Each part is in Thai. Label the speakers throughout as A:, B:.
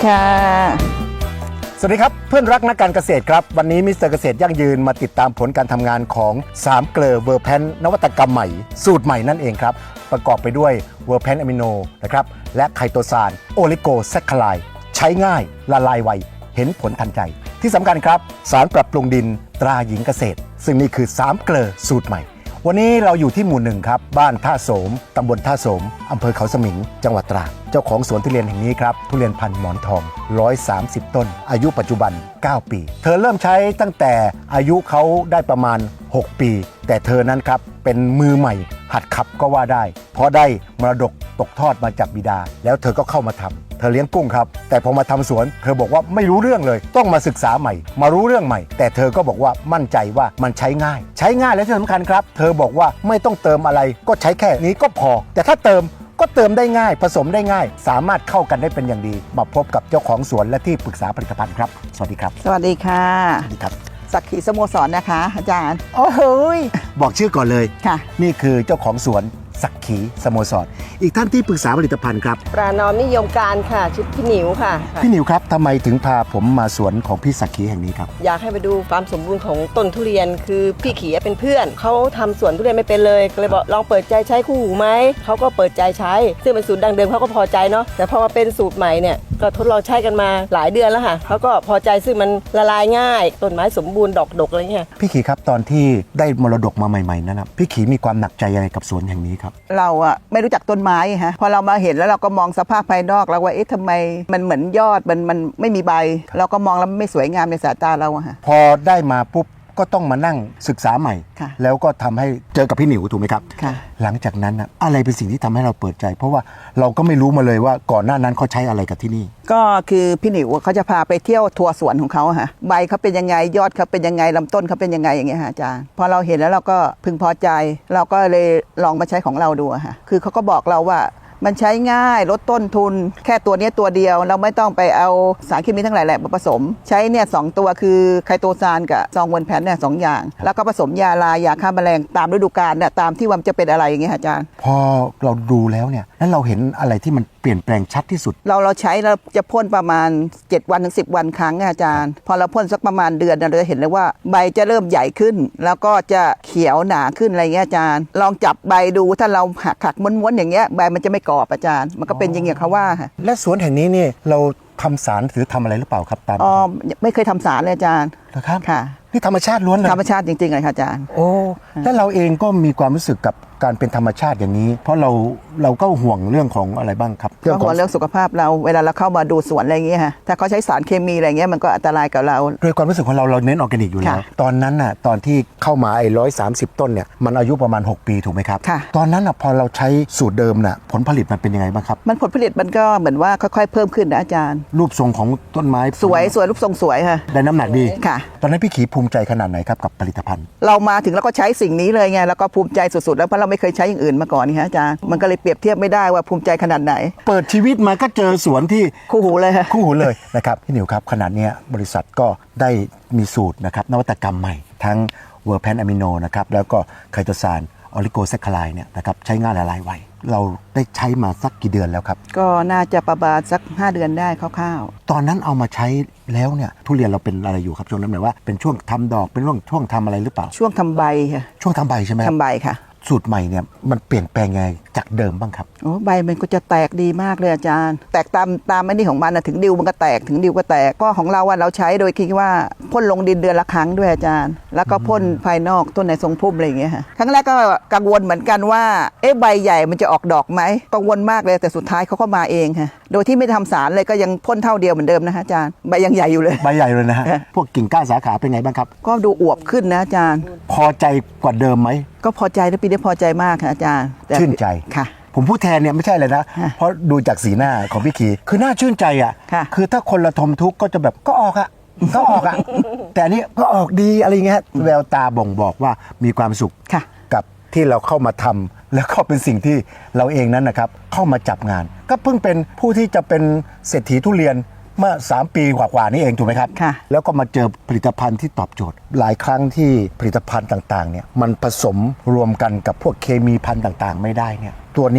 A: ค่ะ
B: สวัสดีครับเพื่อนรักนักการเกษตรครับวันนี้มิสเตอร์เกษตรยั่งยืนมาติดตามผลการทำงานของ3เกลอเวอร์แพนนวัตกรรมใหม่สูตรใหม่นั่นเองครับประกอบไปด้วยเวอร์แพนอะมิโนนะครับและไคโตซานโอลิโกแซคคาไลใช้ง่ายละลายไวเห็นผลทันใจที่สำคัญครับสารปรับปรุงดินตราหญิงเกษตรซึ่งนี่คือ3เกลอสูตรใหม่วันนี้เราอยู่ที่หมู่1ครับบ้านท่าโสมตำบลท่าโสมอำเภอเขาสมิงจังหวัดตราดเจ้าของสวนทุเรียนแห่งนี้ครับทุเรียนพันธุ์หมอนทอง130ต้นอายุปัจจุบัน9ปีเธอเริ่มใช้ตั้งแต่อายุเขาได้ประมาณ6ปีแต่เธอนั้นครับเป็นมือใหม่หัดขับก็ว่าได้เพราะได้มรดกตกทอดมาจากบิดาแล้วเธอก็เข้ามาทำเธอเลี้ยงกุ้งครับแต่พอมาทำสวนเธอบอกว่าไม่รู้เรื่องเลยต้องมาศึกษาใหม่มารู้เรื่องใหม่แต่เธอก็บอกว่ามั่นใจว่ามันใช้ง่ายและที่สำคัญครับเธอบอกว่าไม่ต้องเติมอะไรก็ใช้แค่นี้ก็พอแต่ถ้าเติมก็เติมได้ง่ายผสมได้ง่ายสามารถเข้ากันได้เป็นอย่างดีมาพบกับเจ้าของสวนและที่ปรึกษาผลิตภัณฑ์ครับสวัสดีครับ
A: สวัสดีค่ะ
B: สวัสดีครับ
A: สักขีสโมสรนะคะอาจารย์
B: โอ้โหบอกชื่อก่อนเลย
A: ค่ะ
B: นี่คือเจ้าของสวนสักขีสโมสรอีกท่านที่ปรึกษาผลิตภัณฑ์ครับ
C: ปรานอมนิยมการค่ะชุดพี่หนิวค่ะ
B: พี่หนิวครับทำไมถึงพาผมมาสวนของพี่สักขีแห่งนี้ครับ
C: อยากให้ไปดูความสมบูรณ์ของต้นทุเรียนคือพี่ขีเป็นเพื่อนเขาทำสวนทุเรียนไม่เป็นเลยก็เลยบอกลองเปิดใจใช้คู่หูไหมเขาก็เปิดใจใช้ซึ่งเป็นสูตรดังเดิมเขาก็พอใจเนาะแต่พอมาเป็นสูตรใหม่เนี่ยก็ทดลองใช้กันมาหลายเดือนแล้วค่ะเขาก็พอใจซึ่งมันละลายง่ายต้นไม้สมบูรณ์ดอกดกอะไรเงี้ย
B: พี่ขีครับตอนที่ได้มรดกมาใหม่ๆนั้นนะพี่ขีมีความหนักใจยังไงกับสวนแห่งนี้ครับ
A: เราอะไม่รู้จักต้นไม้ฮะพอเรามาเห็นแล้วเราก็มองสภาพภายนอกแล้วว่าเอ๊ะทำไมมันเหมือนยอดมันไม่มีใบ เราก็มองแล้วไม่สวยงามในสายตาเราอะฮะ
B: พอได้มาปุ๊บก็ต้องมานั่งศึกษาใหม่
A: ค่ะ
B: แล้วก็ทำให้เจอกับพี่หนิวถูกไหมครับ
A: ค่ะ
B: หลังจากนั้นนะอะไรเป็นสิ่งที่ทำให้เราเปิดใจ เพราะว่าเราก็ไม่รู้มาเลยว่าก่อนหน้านั้นเขาใช้อะไรกับที่นี่
A: ก็คือพี่หนิวเขาจะพาไปเที่ยวทัวร์สวนของเขาอะฮะใบเขาเป็นยังไงยอดเขาเป็นยังไงลำต้นเขาเป็นยังไงอย่างเงี้ยฮะอาจารย์พอเราเห็นแล้วเราก็พึงพอใจ เราก็เลยลองมาใช้ของเราดูอะฮะคือเขาก็บอกเราว่ามันใช้ง่ายลดต้นทุนแค่ตัวนี้ตัวเดียวเราไม่ต้องไปเอาสารเคมีทั้งหลายแหละมาผสม ใช้เนี่ย2ตัวคือไคโตซานกับซองเวนแพนเนี่ย2อย่างแล้วก็ผสมยาลายาฆ่าแมลงตามฤดูกาลเนี่ยตามที่ว่ามันจะเป็นอะไรอย่างเงี้ยอาจารย์
B: พอเราดูแล้วเนี่ยแล้วเราเห็นอะไรที่มันเปลี่ยนแปลงชัดที่สุด
A: เราใช้เราจะพ่นประมาณ7วันถึง10วันครั้งอาจารย์พอเราพ่นสักประมาณเดือนเราจะเห็นเลยว่าใบจะเริ่มใหญ่ขึ้น แล้วก็จะเขียวหนาขึ้นอะไรเงี้ยอาจารย์ลองจับใบดูถ้าเราหักม้วนๆอย่างเงี้ยใบมันจะไม่กรอบอาจารย์มันก็เป็นอย่างเงี้ยเขาว่าค่ะ
B: และสวนแห่งนี้นี่เราทำสารหรือทำอะไรหรือเปล่าครับตาม
A: อ๋อไม่เคยทำสารเลยอาจารย์
B: นะครับ
A: ค่ะ
B: นี่ธรรมชาติล้วนเลย
A: ธรรมชาติจริงๆเลยค่ะอาจารย์
B: โอ้และเราเองก็มีความรู้สึกกับการเป็นธรรมชาติอย่างนี้ เพราะเราก็ห่วงเรื่องของอะไรบ้างครับ
A: ก็ห่วงเรื่องสุขภาพเราเวลาเราเข้ามาดูสวนอะไรอย่างเงี้ยค่ะถ้าเขาใช้สารเคมีอะไรเงี้ยมันก็อันตรายกับเรา
B: โดยความรู้สึกของเราเน้นออร์แกนิกอยู่แล้ว
A: ค่ะ
B: ตอนนั้นน่ะตอนที่เข้ามาไอ้130 ต้นเนี่ยมันอายุประมาณ6ปีถูกไหมครับ
A: ค่ะ
B: ตอนนั้นน่ะพอเราใช้สูตรเดิมน่ะผลผลิตมันเป็นยังไงบ้างครับ
A: มันผลผลิตมันก็เหมือนว่าค่อยๆเพิ่มขึ้นนะอาจารย์
B: รูปทรงของต้นไม้
A: สวยรูปทรงสวยค่ะ
B: ได้น้ำหนักดี
A: ค่ะ
B: ตอนนั้นพี่ขีภูมิใจขนาดไหนครับกับผลิตภัณฑ์
A: เรามาถึงแล้วก็ใช้สิ่งนี้เลยไงแล้วก็ภูมิใจสุดๆแล้วเพราะเราไม่เคยใช้อย่างอื่นมาก่อนนี่ฮะอาจารย์มันก็เลยเปรียบเทียบไม่ได้ว่าภูมิใจขนาดไหน
B: เปิดชีวิตมาก็เจอสวนที่
A: คู่หูเลยค่ะ
B: คู่หูเลยนะครับพี่หนิวครับขนาดเนี้ยบริษัทก็ได้มีสูตรนะครับนวัตกรรมใหม่ ทั้งเวอร์แพนอะมิโนนะครับแล้วก็ไคโตซานออลิโกแซคคาไลเนี่ยนะครับใช้ง่ายละลายไวเราได้ใช้มาสักกี่เดือนแล้วครับ
A: ก็น่าจะประมาณสัก5เดือนได้คร่าว
B: ตอนนั้นเอามาใช้แล้วเนี่ยทุเรียนเราเป็นอะไรอยู่ครับช่วงนั้นหมายว่าเป็นช่วงทำดอกเป็นช่วงทำอะไรหรือเปล่า
A: ๆช่วงทำใบค่ะ
B: ช่วงทำใบใช่ไหมครับ
A: ทำใบค่ะ
B: สูตรใหม่เนี่ยมันเปลี่ยนแปลงไงจากเดิมบ้างครับ
A: โอ้ใบมันก็จะแตกดีมากเลยอาจารย์ แตกตามไอ้นี่ของมันนะถึงดิวมันก็แตกถึงดิวก็แตกก็ของเราว่าเราใช้โดยคิดว่าพ่นลงดินเดือนละครั้งด้วยอาจารย์ แล้วก็พ่นภายนอกต้นในทรงพุ่มอะไรอย่างเงี้ยค่ะครั้งแรกก็กังวลเหมือนกันว่าเอ๊ะใบใหญ่มันจะออกดอกไหมกังวลมากเลยแต่สุดท้ายเขาก็มาเองค่ะโดยที่ไม่ทำสารเลยก็ยังพ่นเท่าเดียวเหมือนเดิมนะฮะอาจารย์ใบยังใหญ่อยู่เลย
B: ใบใหญ่เลยนะฮะ พวกกิ่งก้านสาขาเป็นไงบ้างครับ
A: ก็ดูอวบขึ้นนะอาจารย์
B: พอใจกว่าเดิมไหม
A: ก็พอใจนะปีนี้พอใจมากค่ะอาจารย์แต่
B: ชื่นใจ
A: ค่ะ
B: ผมพูดแทนเนี่ยไม่ใช่เลยนะ
A: ค่ะ
B: เพราะดูจากสีหน้าของพี่ขีคือน่าชื่นใจอ่ะ
A: ค่ะ
B: คือถ้าคนละทมทุกข์ก็จะแบบก็ออกอ่ะ ก็ออกอ่ะ แต่อันนี้ก็ออกดีอะไรเงี้ยแววตาบ่งบอกว่ามีความสุข
A: ค่ะ
B: กับที่เราเข้ามาทำแล้วก็เป็นสิ่งที่เราเองนั้นนะครับเข้ามาจับงาน ก็เพิ่งเป็นผู้ที่จะเป็นเศรษฐีทุเรียนเมื่อ3 ปีกว่าๆนี่เองถูกไหมครับ
A: ค่ะ
B: แล้วก็มาเจอผลิตภัณฑ์ที่ตอบโจทย์ หลายครั้งที่ผลิตภัณฑ์ต่างๆเนี่ยมันผสมรวมกันกับพวกเคมีพันธุ์ต่างๆ ไม่ได้เนี่ยตัวเนี้ย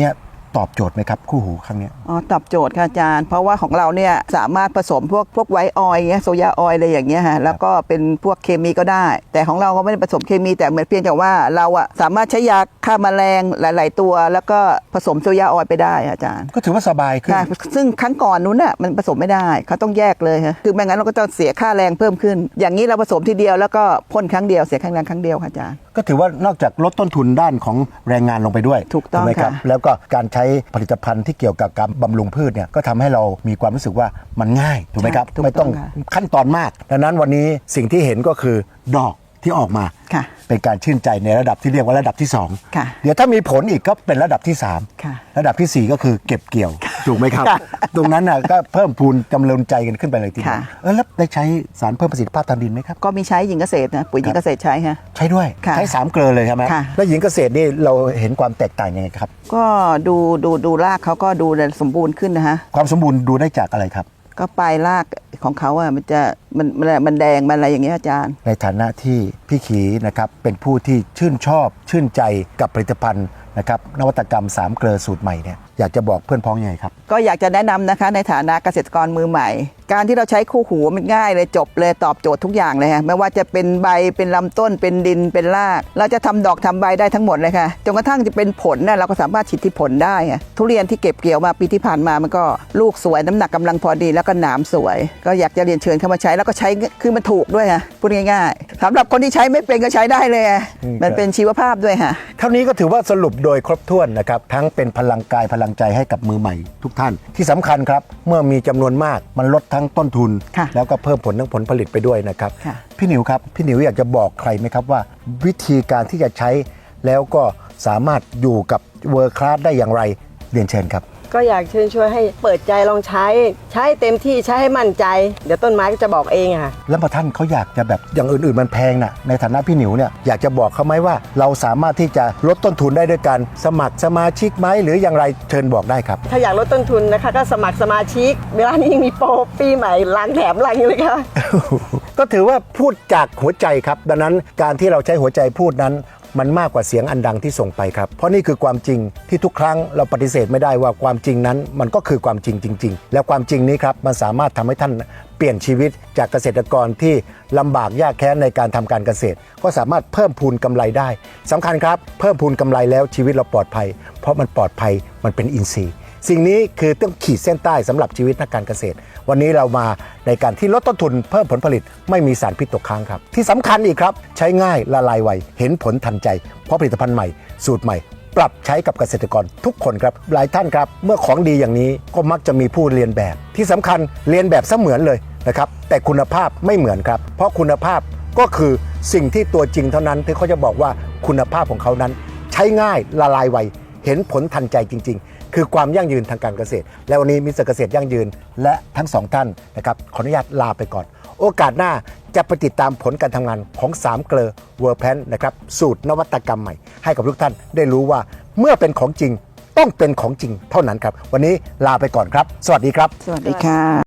B: ตอบโจทย์ไหมครับคู่หูครั้งเนี้ย
A: อ๋อตอบโจทย์ค่ะอาจารย์เพราะว่าของเราเนี่ยสามารถผสมพวกไวท์ออยล์เงี้ยโซยาออยล์อะไรอย่างเงี้ยฮะแล้วก็เป็นพวกเคมีก็ได้ แต่ของเราก็ไม่ได้ผสมเคมีแต่เหมือนเพียงแต่ว่าเราอะสามารถใช้ยาฆ่าแมลงหลาย ๆ ตัว แล้วก็ผสมโซยาออยล์ไปได้อาจารย์
B: ก็ถือว่าสบายขึ้น
A: ค่ะซึ่งครั้งก่อนนู้นน่ะมันผสมไม่ได้เขาต้องแยกเลยฮะคือไม่งั้นเราก็จะเสียค่าแรงเพิ่มขึ้น อย่างนี้เราผสมทีเดียวแล้วก็พ่นครั้งเดียวเสียค่าแรงครั้งเดียวค่ะอาจารย์
B: ก็ถือว่านอกจากลดต้นทุนด้านของแรงงานลงไปด้วย
A: ถูกต้อง
B: ไหมครับ
A: ค่ะ
B: แล้วก็การใช้ผลิตภัณฑ์ที่เกี่ยวกับการบำรุงพืชเนี่ยก็ทำให้เรามีความรู้สึกว่ามันง่ายถูกไหมครับ
A: ถูก
B: ไม่ต้อง
A: ค่ะ
B: ขั้นตอนมากดังนั้นวันนี้สิ่งที่เห็นก็คือดอกที่ออกมา
A: ค่ะ
B: เป็นการชื่นใจในระดับที่เรียกว่าระดับที่2
A: ค่ะ
B: เดี๋ยวถ้ามีผลอีกก็เป็นระดับที่3
A: ค่ะ
B: ระดับทีสี่ 4 ก็คือเก็บเกี่ยวถูกไหมครับ
A: ค่ะ
B: ตรงนั้นน่ะก็เพิ่มพูนกำลังใจกันขึ้นไปเลยทีเดียว
A: ค่ะ
B: แล้วได้ใช้สารเพิ่มประสิทธิภาพทางดินไหมครับ
A: ก็มีใช้หญิงเกษตรนะปุ๋ยหญิงเกษตรใช้ฮะ
B: ใช้ด้วย
A: ค่ะ
B: ใช้3 เกลือเลยใช่ไหม
A: ค่ะ
B: แล้วหญิงเกษตรนี่เราเห็นความแตกต่างยังไงครับ
A: ก็ดูรากเขาก็ดูสมบูรณ์ขึ้นนะฮะ
B: ความสมบูรณ์ดูได้จากอะไรครับ
A: ก็ปลายรากของเขาอ่ะมันแดงมันอะไรอย่างเงี้ยอาจารย์
B: ในฐานะที่พี่ขีนะครับเป็นผู้ที่ชื่นชอบชื่นใจกับผลิตภัณฑ์นะครับนวัตกรรม3 เกลือสูตรใหม่เนี่ยอยากจะบอกเพื่อนพ้องยังไงครับ
A: ก็อยากจะแนะนำนะคะในฐานะเกษตรกรมือใหม่ การที่เราใช้คู่หูมันง่ายเลยจบเลยตอบโจทย์ทุกอย่างเลยฮะไม่ว่าจะเป็นใบเป็นลำต้นเป็นดินเป็นราก เราจะทำดอกทำใบได้ทั้งหมดเลยค่ะจนกระทั่งจะเป็นผลนะเราก็สามารถฉีดที่ผลได้อะทุเรียนที่เก็บเกี่ยวมาปีที่ผ่านมามันก็ลูกสวยน้ำหนักกำลังพอดีแล้วก็หนามสวย ก็อยากจะเรียนเชิญเข้ามาใช้แล้วก็ใช้คือมันถูกด้วยฮะพูดง่ายๆสำหรับคนที่ใช้ไม่เป็นก็ใช้ได้เลยอะมันเป็นชีวภาพด้วยค่ะ
B: เท่านี้ก็ถือว่าสรุปโดยครบถ้วนนะครับทั้งเป็นพลังกายพลังใจให้กับมือใหม่ทุกท่านที่สำคัญครับเมื่อมีจำนวนมากมันลดทั้งต้นทุน
A: ค่ะ
B: แล้วก็เพิ่มผลทั้งผลผลิตไปด้วยนะครับ
A: ค่ะ
B: พี่หนิวครับพี่หนิวอยากจะบอกใครไหมครับว่า วิธีการที่จะใช้แล้วก็สามารถอยู่กับเวิร์คลาสได้อย่างไรเรียนเชิญครับ
C: ก็อยากเชิญชวนให้เปิดใจลองใช้เต็มที่ใช้ให้มั่นใจ เดี๋ยวต้นไม้ก็จะบอกเองอะค่ะ
B: แล้วพอท่านเขาอยากจะแบบอย่างอื่นๆมันแพงน่ะในฐานะพี่หนิวเนี่ยอยากจะบอกเขาไหมว่าเราสามารถที่จะลดต้นทุนได้ด้วยการสมัครสมาชิกไหมหรืออย่างไรเชิญบอกได้ครับ
C: ถ้าอยากลดต้นทุนนะคะก็สมัครสมาชิก เวลานี้ยังมีโปรปีใหม่ล้างแถมล้างอยู่เลยค่ะ
B: ก็ถือว่าพูดจากหัวใจครับดังนั้นการที่เราใช้หัวใจพูดนั้นมันมากกว่าเสียงอันดังที่ส่งไปครับเพราะนี่คือความจริงที่ทุกครั้งเราปฏิเสธไม่ได้ว่าความจริงนั้นมันก็คือความจริงจริงๆแล้วความจริงนี้ครับมันสามารถทำให้ท่านเปลี่ยนชีวิตจากเกษตรกรที่ลำบากยากแค้นในการทำการเกษตร ก็สามารถเพิ่มพูนกำไรได้สำคัญครับเพิ่มพูนกำไรแล้วชีวิตเราปลอดภัย เพราะมันปลอดภัยมันเป็นอินทรีย์ สิ่งนี้คือต้องขีดเส้นใต้สำหรับชีวิตนักการเกษตร วันนี้เรามาในการที่ลดต้นทุนเพิ่มผลผลิตไม่มีสารพิษตกค้างครับที่สำคัญอีกครับใช้ง่ายละลายไวเห็นผลทันใจเพราะผลิตภัณฑ์ใหม่สูตรใหม่ ปรับใช้กับเกษตรกรทุกคนครับหลายท่านครับเมื่อของดีอย่างนี้ก็มักจะมีผู้เรียนแบบที่สำคัญเรียนแบบเสมือนเลยนะครับแต่คุณภาพไม่เหมือนครับเพราะคุณภาพก็คือสิ่งที่ตัวจริงเท่านั้นที่เขาจะบอกว่าคุณภาพของเขานั้น ใช้ง่ายละลายไวเห็นผลทันใจจริง ๆ คือความยั่งยืนทางการเกษตร และวันนี้มิสเตอร์เกษตรยั่งยืนและทั้งสองท่านนะครับขออนุญาตลาไปก่อน โอกาสหน้าจะไปติดตามผลการทำงานของ3 เกลอเวอร์แพนนะครับสูตรนวัตกรรมใหม่ให้กับทุกท่านได้รู้ว่าเมื่อเป็นของจริงต้องเป็นของจริงเท่านั้นครับวันนี้ลาไปก่อนครับ สวัสดีครับ
A: สวัสดีค่ะ